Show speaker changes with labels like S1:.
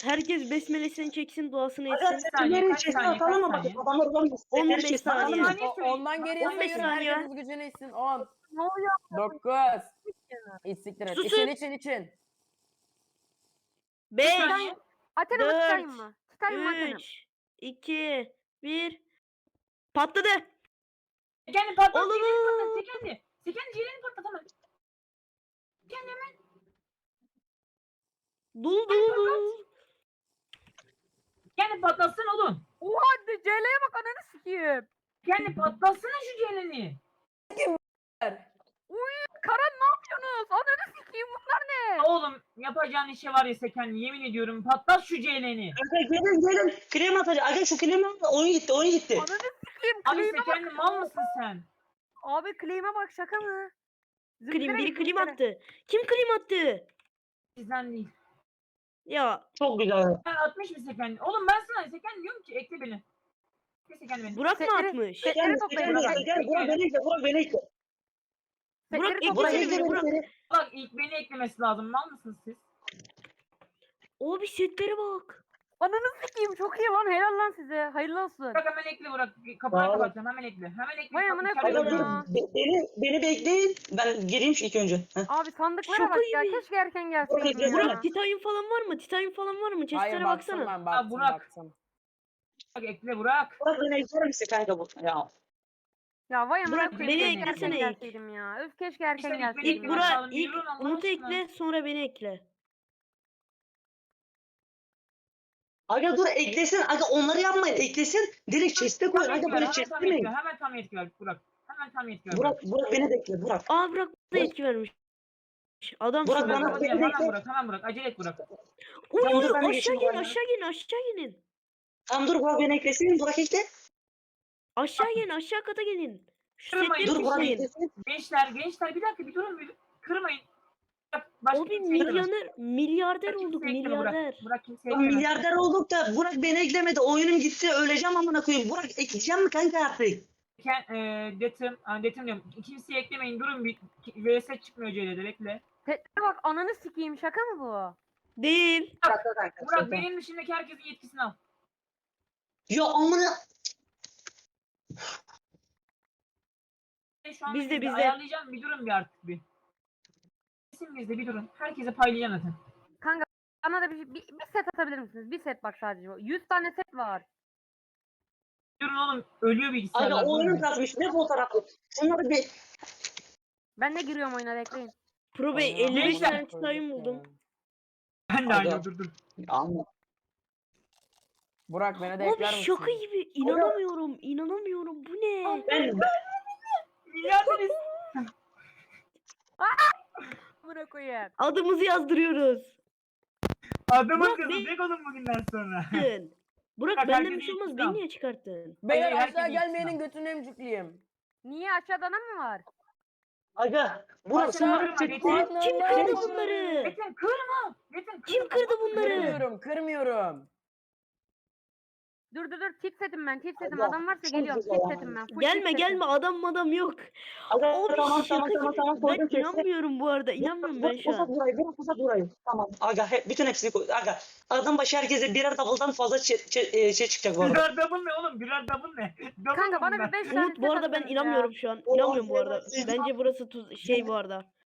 S1: Herkes besmelesini çeksin, duasını
S2: Aga
S1: etsin.
S2: seçimleri
S3: kaç
S2: içerisine
S3: saniye,
S2: atalım
S3: kaç
S2: mı? Bakın
S3: saniye?
S2: adamlar ulan
S1: 15 saniye.
S3: Ondan geriye
S1: 15
S3: sayın.
S1: saniye.
S3: Herkes gücünü içsin. 10,
S4: Ne oluyor?
S3: 9, İstiktir et.
S1: Susun.
S3: İçin.
S1: 5,
S4: Atarım mı
S1: Dört,
S4: tutayım mı? Tutayım mı atarım?
S1: 3, 2, 1. Patladı.
S3: Kendi patlat.
S1: Oğlum.
S3: Sekendi ciğerini patlat hemen. Kendi hemen.
S1: Dul.
S3: Kendi patlatsın oğlum.
S4: Oha CL'ye bak ananı sikeyim.
S3: Kendi patlatsana şu ciğerini.
S4: Karan ne yapıyorsunuz? Ananı sikeyim bunlar ne?
S3: Oğlum yapacağın işe var ya Sekendi, yemin ediyorum patlat şu ciğerini.
S2: Aga gelin. Klima atacak. Aga şu klima oyun gitti.
S4: Ananı sikeyim.
S3: Abi
S4: Claim'e
S3: Sekendi
S4: bak.
S3: mal mısın sen?
S4: Abi claim'e bak şaka mı?
S1: Klim, biri klim
S4: zımbıra.
S1: attı. Kim klim attı?
S3: Sizden değil.
S1: Ya
S2: Çok güzel.
S3: Ben atmış mı Sekendi? Oğlum ben sana Sekendi diyorum ki ekle beni. Ekle Sekendi beni.
S1: Burak mı
S4: Setleri-
S1: atmış?
S4: Setleri toplayın.
S2: Burak beni ekle. Burak beni ekle.
S1: Burak
S4: Setleri
S1: ekle
S2: Burak
S4: toplayın.
S1: seni,
S2: ekle
S1: Burak.
S2: beni.
S3: Bak ilk beni eklemesi lazım. Mal mısınız siz?
S1: O bir setlere bak.
S4: Ananı sikeyim çok iyi lan helal lan size. Hayırlı olsun.
S3: Burak hemen ekle Burak. Kapıyı
S2: Sağ ol.
S3: kapatacağım. Hemen ekle. Hemen ekle.
S4: Vay amına
S3: İçeride
S2: Aga
S4: koyayım
S2: dur.
S3: duruyorum.
S4: ya.
S2: Beni bekleyin. Ben gireyim şu ilk önce. Heh.
S4: Abi sandıklara
S1: Şaka
S4: bak ya.
S1: gibi.
S4: Keşke erken gelseydin
S2: Burak,
S4: ya.
S1: Burak titanyum falan var mı? Titanyum falan var mı? Chestlere baksana.
S3: ben baktım. Burak. Burak ekle Burak.
S2: Burak beni ekler misin kanka bu? Ya.
S4: Ya vay amına
S1: Burak,
S4: koyayım.
S1: beni
S4: Keşke
S1: eklesene
S4: erken
S1: ilk.
S4: gelseydim ya. Öf keşke erken
S3: İşte ilk beni
S4: gelseydim.
S1: İlk
S3: ekle.
S4: ya.
S1: Burak,
S3: Yürü
S1: ilk
S3: lan, Allah
S1: Umut'u
S3: aşkına.
S1: ekle, sonra beni ekle.
S2: Aga dur eklesin. Aga onları yapmayın. Eklesin. Direkt chest'e koyun.
S3: Tam
S2: Aga
S3: yetki ver.
S2: böyle
S3: Hemen tam
S2: chest'lemeyin.
S3: yetki ver. Hemen tam yetki ver Burak. Hemen tam yetki ver.
S2: Burak beni de ekle. Burak.
S1: Aa Burak da etki vermiş. Adamsın.
S2: Burak,
S1: Burak,
S2: bana-
S3: Hemen Burak. Hemen Burak. Acele et Burak.
S2: Tamam, dur, ben de
S1: aşağı
S2: geçeyim
S1: gelin,
S2: bari.
S1: aşağı gelin.
S2: Tamam dur Burak beni eklesin. Burak ekle.
S1: Aşağı gelin, aşağı kata gelin. Şu
S3: Kırmayın,
S1: setleri
S2: Dur Burak
S1: toplayın.
S2: eklesin.
S3: Gençler bir dakika bir durun. Kırmayın. Başka
S1: O bir
S3: kimse eklemez.
S1: milyarder
S3: Burak
S1: olduk,
S3: kimse ekleme,
S1: milyarder.
S3: Burak kimse
S2: Ya
S3: eklemez.
S2: milyarder olduk da Burak beni eklemedi. Oyunum gitti. Öleceğim amına koyayım. Burak ekleyeceğim mi kanka artık?
S3: Detim diyorum. Kimseyi eklemeyin. Durun bir. VS çıkmıyor CL'de. Bekle.
S4: Setlere bak ananı sikeyim şaka mı bu?
S1: Değil.
S3: Burak benim dışındaki herkesin yetkisini al.
S2: Ya amına.
S3: Şu an
S1: Bizde.
S3: ayarlayacağım. Bir durun bir artık bir. Kesin bizde bir durun. Herkese paylayacağım zaten.
S4: Kanka bana da bir set atabilir misiniz? Bir set bak sadece. 100 tane set var.
S3: Durun oğlum. Ölüyor bilgisayarlar.
S2: Aga oyunum
S3: durun.
S2: kasmış. Ne fotoğrafı? Şunları bir.
S4: Ben de giriyorum oyuna bekleyin.
S1: Pro Bey 55
S3: Gençler.
S1: tane titanyum buldum.
S3: Ben de
S2: Aga.
S3: aynı dur.
S2: Anla.
S3: Burak beni
S1: Abi şaka gibi. İnanamıyorum. Bu ne?
S2: Ben
S3: Milyarderiz.
S4: Amına koyayım.
S1: Adımızı yazdırıyoruz.
S3: Adamın
S1: Burak
S3: kızı oğlum bugünden sonra.
S1: Burak
S3: Bak,
S1: benden
S3: herkes
S1: bir şey olmaz.
S3: ikna.
S1: Beni niye çıkarttın?
S3: Beyler
S5: Beyler
S3: herkes
S5: aşağı
S3: ikna.
S5: gelmeyenin götünü emcikliyim.
S4: Niye aşağıda adam mı var?
S2: Aga. Burak
S5: Aşağı
S2: şunları
S3: kırma,
S2: çek.
S3: geçelim.
S1: Kim kırdı bunları?
S3: Metin kırma. Metin
S1: Kim kırdı bunları?
S5: Kırmıyorum.
S4: Dur tip setim ben tip setim.
S2: Allah,
S4: Adam varsa
S2: çok
S4: geliyorum
S2: güzel
S4: tip
S2: ya.
S4: setim ben. Full
S1: Gelme
S4: tip setim.
S1: adam yok.
S2: Aga
S1: Abi
S2: tamam
S1: şaka gibi.
S2: koydum
S1: Ben
S2: chest'e.
S1: inanmıyorum bu arada. İnanmıyorum ben şu an.
S2: Burak uzat burayı. Tamam. Aga bütün hepsini koy. Aga. Adam başı herkese birer double'dan fazla şey çıkacak bu arada.
S3: Birer double ne oğlum? Birer double ne? Double
S4: Kanka
S3: mı
S4: bana
S3: bunlar?
S4: bir 5 tane
S1: Umut bu arada ben
S4: atsanız ya.
S1: inanmıyorum şu an. İnanmıyorum bu arada. Bence burası şey bu arada.